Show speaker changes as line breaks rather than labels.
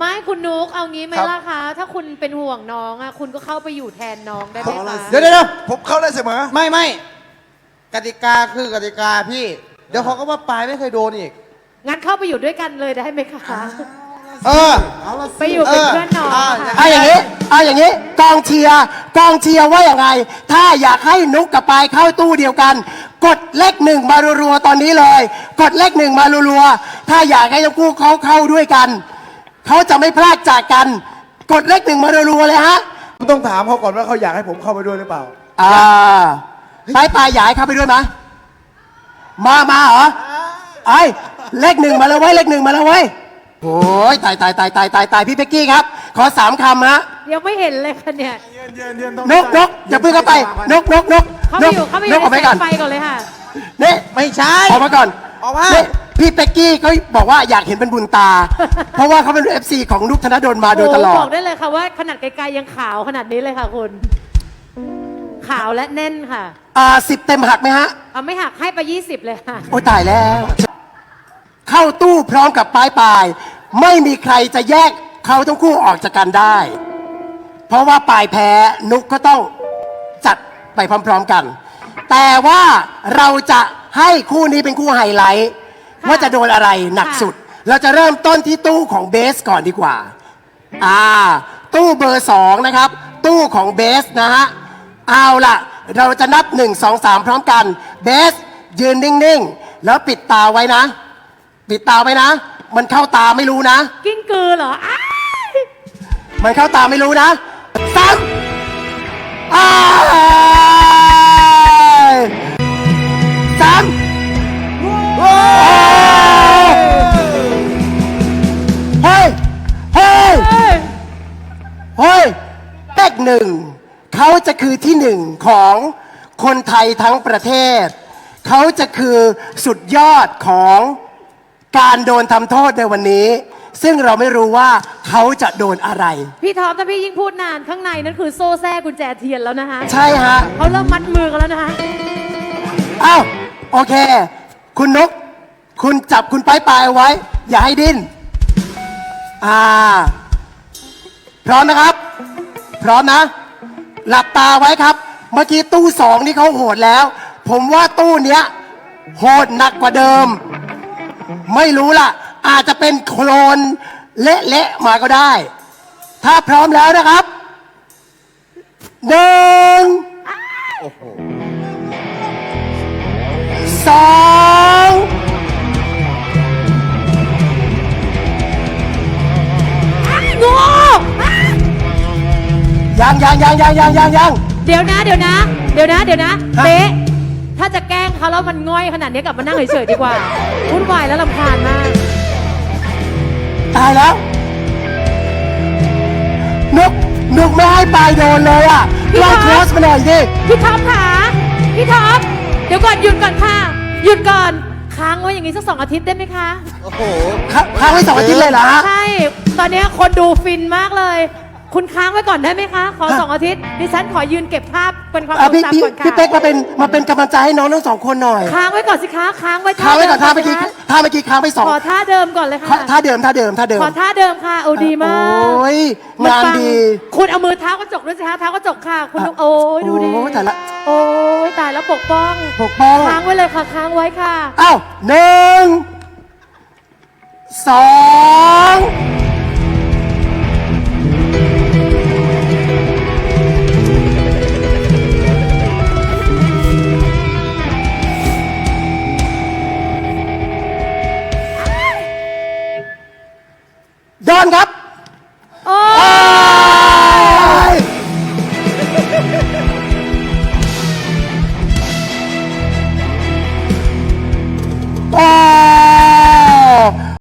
ไม่คุณนุกเอางี้ไหม
ครับ
ล่ะคะ ถ้าคุณเป็นห่วงน้องอะคุณก็เข้าไปอยู่แทนน้องได้ไหมคะ
เดี๋ยว
ผมเข้าได้เสมอ
ไม่กติกาคือกติกาพี่ เดี๋ยวเขาก็ว่าปลายไม่เคยโดนอีก
งั้นเข้าไปอยู่ด้วยกันเลยได้ไหมคะ
เออ
ไปอยู่เป็นเพื่อนน้องค่ะ
เอาอย่างนี้กองเชียร์ว่าอย่างไง ถ้าอยากให้นุกกับปายเข้าตู้เดียวกัน กดเลขหนึ่งมารัวๆตอนนี้เลย กดเลขหนึ่งมารัวๆถ้าอยากให้ทั้งคู่เขาเข้าด้วยกันเขาจะไม่พลาดจากกัน กดเลขหนึ่งมารัวๆเลยฮะ
ต้องถามเขาก่อนว่าเขาอยากให้ผมเข้าไปด้วยหรือเปล่า
ปายอยากให้เข้าไปด้วยไหมมาเหรอไอ้เลขหนึ่งมาแล้วเว้ยเลขหนึ่งมาแล้วเว้ยโอ้ยตายพี่เป๊กกี้ครับ ขอ3 คำฮะ
ยังไม่เห็นเลยค่ะเนี่ย
นกอย่าเพิ่งเข้าไปนก
เข้าไปอยู่
นกออกไป
ใน
ก่อน
ไฟก่อนเลยค่ะ
นี่
ไม่ใช่
ออกมาก่อน
ออกมา
นี่พี่เป๊กกี้เขาบอกว่าอยากเห็นเป็นบุญตา เพราะว่าเขาเป็น FC ของนุกธนดลมาโดยตลอ
โบ
ด
อกได้เลยค่ะว่าขนาดไกลๆยังขาวขนาดนี้เลยค่ะคุณ ขาวและแน่นค่ะ
10 เต็มหักไหมฮะ
เอาไม่หักให้ไป20เลยค่ะ
โอ้ยตายแล้ว เข้าตู้พร้อมกับปลายไม่มีใครจะแยกเขาทั้งคู่ออกจากกันได้ เพราะว่าปลายแพ้นุกก็ต้องจัดไปพร้อมๆกัน แต่ว่าเราจะให้คู่นี้เป็นคู่ไฮไลท์
ค่ะ
ว่าจะโดนอะไรหนัก
ค่ะ
สุด เราจะเริ่มต้นที่ตู้ของเบสก่อนดีกว่า ตู้เบอร์2นะครับ ตู้ของเบสนะฮะ เอาล่ะ เราจะนับ 1 2 3 พร้อมกัน เบสยืนนิ่งๆ แล้วปิดตาไว้นะ ปิดตาไว้นะ มันเข้าตาไม่รู้นะ
กิ้งกือเหรออ้าย
มันเข้าตาไม่รู้นะซ้ำอ้ายซ้ำเฮ้ย เฮ้ย
เอ้ย
เฮ้ยเลขหนึ่งเขาจะคือที่หนึ่งของคนไทยทั้งประเทศ เขาจะคือสุดยอดของการโดนทำโทษในวันนี้ ซึ่งเราไม่รู้ว่าเขาจะโดนอะไร
พี่ท็อปถ้าพี่ยิ่งพูดนานข้างในนั่นคือโซ่แทรกกุญแจเทียนแล้วนะคะ
ใช่ฮะ
เขาเริ่มมัดมือกันแล้วนะคะ
อ้าว โอเค คุณนก คุณจับคุณปลายเอาไว้ อย่าให้ดิ้น พร้อมนะครับ พร้อมนะ หลับตาไว้ครับ เมื่อกี้ตู้2นี่เขาโหดแล้ว ผมว่าตู้เนี้ย โหดหนักกว่าเดิม ไม่รู้ล่ะ อาจจะเป็นโคลนเละๆมาก็ได้ ถ้าพร้อมแล้วนะครับ1 2
โง่
ยัง
เดี๋ยวนะ
ฮะ
เป๊ะถ้าจะแกล้งเขาแล้วมันง่อยขนาดนี้กลับมานั่งเฉยๆดีกว่าวุ่นวายแล้วรำคาญมาก
ตายแล้ว นุกไม่ให้ปลายโดนเลยอ่ะ
พี่
ลอง
ท็อป
โคสมาหน่อยดิ
พี่ท็อปค่ะพี่ท็อปเดี๋ยวก่อนหยุดก่อนค่ะ หยุดก่อนค้างไว้อย่างนี้สัก2 อาทิตย์ได้ไหมคะ
โอ้โห
ค้างไว้2 อาทิตย์เลยเหรอฮะ
ใช่ ตอนนี้คนดูฟินมากเลย คุณค้างไว้ก่อนได้ไหมคะ ขอ
ฮะ
2 อาทิตย์ ดิฉันขอยืนเก็บภาพเป็นความท
อ่ะ
รง
พี่
จำก่อนค่ะ
เป๊กมาเป็นกำลังใจให้น้องทั้ง2 คนหน่อย
ค้างไว้ก่อนสิคะ ค้างไว้
ค้างไว้ก่อนท่าเมื่อ
ดิ
กี้
คะ
ท่าเมื่อกี้ค้างไป2
ขอท่าเดิมก่อนเลยค่ะ
ท่าเดิม
ขอท่าเดิมค่ะ โอ้ดีมาก
โอ้ยงานดี
คุณเอามือเท้ากระจกด้วยสิคะเท้ากระจกค่ะ คุณโอ้ยดูดิ
โอ้ยตายละ
โอ้ยตายแล้วปกป้อง
ปกป้อง
ค้างไว้เลยค่ะ ค้างไว้ค่ะ
อ้าว1 2โดนครับ
โอ้
อ้า